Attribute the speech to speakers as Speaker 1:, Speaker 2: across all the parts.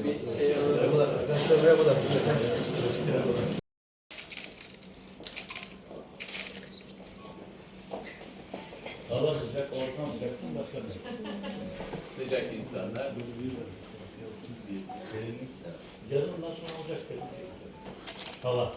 Speaker 1: Şöyle bir şey alalım.
Speaker 2: Merhabalar arkadaşlar, merhabalar.
Speaker 3: Hava sıcak, ortam sıcaksın, başka ne?
Speaker 1: Sıcak insanlar.
Speaker 3: Yazın nasıl olacak peki? Hava.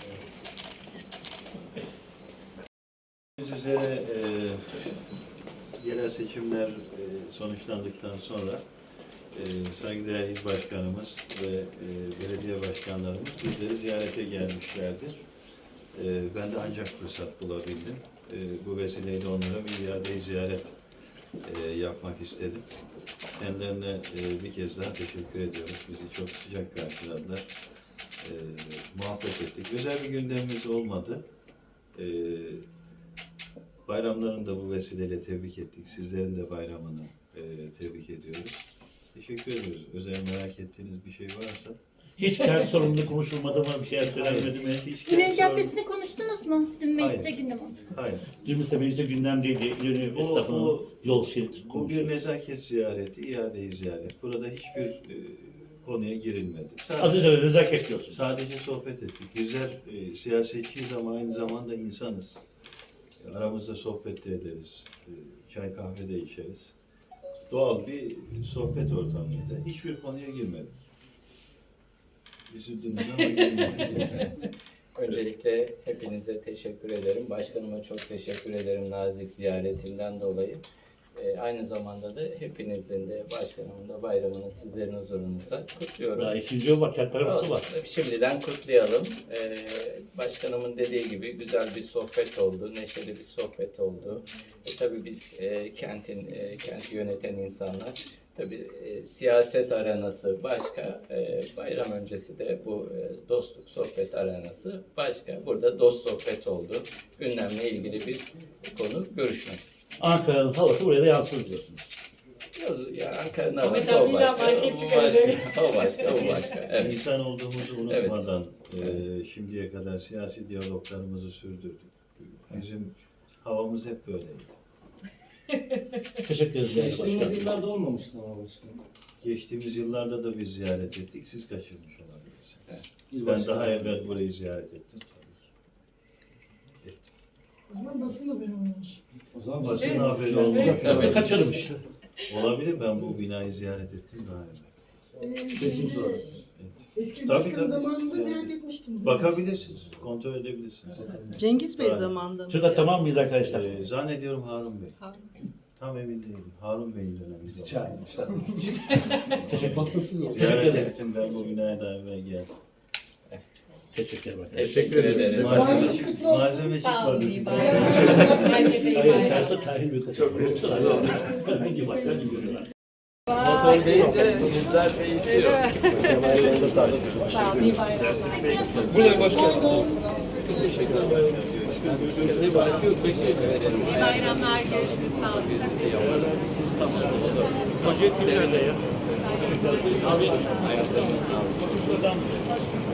Speaker 4: Üzere yerel seçimler sonuçlandıktan sonra saygıdeğer il başkanımız ve belediye başkanlarımız bizleri ziyarete gelmişlerdir. Ben de ancak fırsat bulabildim. Bu vesileyle onlara bir iade ziyaret yapmak istedim. Kendilerine bir kez daha teşekkür ediyoruz. Bizi çok sıcak karşıladılar. Muhabbet ettik. Özel bir gündemimiz olmadı. Bayramlarını da bu vesileyle tebrik ettik. Sizlerin de bayramını tebrik ediyoruz. Teşekkür ediyoruz. Özel merak ettiğiniz bir şey varsa.
Speaker 3: Hiç kent sorununu konuşulmadı mı? Bir şey söylenmedi mi?
Speaker 5: Güney Caddesi'ni konuştunuz mu? Dün mecliste
Speaker 4: Hayır.
Speaker 5: gündem oldu.
Speaker 4: Hayır.
Speaker 3: Dün mesela mecliste gündemdeydi. Yönü esnafının yol şerit
Speaker 4: Bu bir
Speaker 3: konuşuyor.
Speaker 4: nezaket ziyareti, iade ziyaret. Burada hiçbir konuya girilmedi.
Speaker 3: Adı üzerine nezaket diyorsun.
Speaker 4: Sadece sohbet ettik. Bizler siyasetçiyiz ama aynı zamanda insanız. Aramızda sohbet de ederiz. Çay kahve de içeriz. Doğal bir sohbet ortamıydı. Hiçbir konuya girmedik. Üzüldünüz ama girmedik.
Speaker 1: Öncelikle hepinize teşekkür ederim. Başkanıma çok teşekkür ederim nazik ziyaretinden dolayı. Aynı zamanda da hepinizin de başkanımın da bayramını sizlerin huzurunuzda kutluyorum.
Speaker 3: Daha ikinci yol var, kent arabası var.
Speaker 1: Şimdiden kutlayalım. Başkanımın dediği gibi güzel bir sohbet oldu, neşeli bir sohbet oldu. Tabii biz kenti yöneten insanlar, tabii siyaset arenası başka, bayram öncesi de bu dostluk sohbet arenası başka. Burada dost sohbet oldu. Gündemle ilgili bir konu görüşmek.
Speaker 3: Ankara'nın havası buraya da yansır diyorsunuz.
Speaker 1: Ya Ankara'nın havası o başka, o başka. Evet.
Speaker 4: İnsan olduğumuzu unutmadan şimdiye kadar siyasi diyaloglarımızı sürdürdük. Bizim havamız hep böyleydi.
Speaker 3: Teşekkür ederiz.
Speaker 2: Geçtiğimiz
Speaker 3: Başkanım.
Speaker 2: yıllarda olmamıştı ama başkanım.
Speaker 4: Geçtiğimiz yıllarda da biz ziyaret ettik. Siz kaçırmış olabilirsiniz.
Speaker 1: Evet.
Speaker 4: Ben daha evvel burayı ziyaret ettim tabii ki.
Speaker 6: O zaman basın haberi olmuş.
Speaker 2: O zaman
Speaker 4: Basın haberi olmuş.
Speaker 3: Nasıl kaçırmış?
Speaker 4: Olabilir, ben bu binayı ziyaret ettim daha evvel.
Speaker 2: seçim sonrası.
Speaker 6: Eski
Speaker 4: Tabii,
Speaker 6: başkan
Speaker 4: tabii.
Speaker 6: zamanında ziyaret etmiştiniz.
Speaker 4: Bakabilirsiniz, kontrol edebilirsiniz.
Speaker 7: Cengiz Bey
Speaker 4: Evet.
Speaker 7: zamanında mı?
Speaker 3: Şurada tamam mıyız arkadaşlar?
Speaker 4: Zannediyorum Harun Bey.
Speaker 7: Harun.
Speaker 4: Tam emin değilim. Harun Bey'in döneminde.
Speaker 2: Bizi çağırmışlar.
Speaker 3: Teşekkür
Speaker 2: Basınsız oldu.
Speaker 4: Ziyaret ettim, ben bu binaya daha evvel geldim.
Speaker 3: Teşekkür ederim.
Speaker 1: Teşekkür ederiz.
Speaker 6: Bayramınız kutlu olsun.
Speaker 4: Malzeme çıkmadı.
Speaker 3: Hayır, tersi tayin büyük. Çok verimsiz. Ne gibi başka ne görüyorlar?
Speaker 1: Motor deyince yüzler değişiyor.
Speaker 6: Buraya başkanım.
Speaker 1: Teşekkür ederim.
Speaker 8: Bayramlar görüşürüz. Sağ olun.
Speaker 3: Proje kimlerde ya?
Speaker 1: Ayaklarınızı sağlık.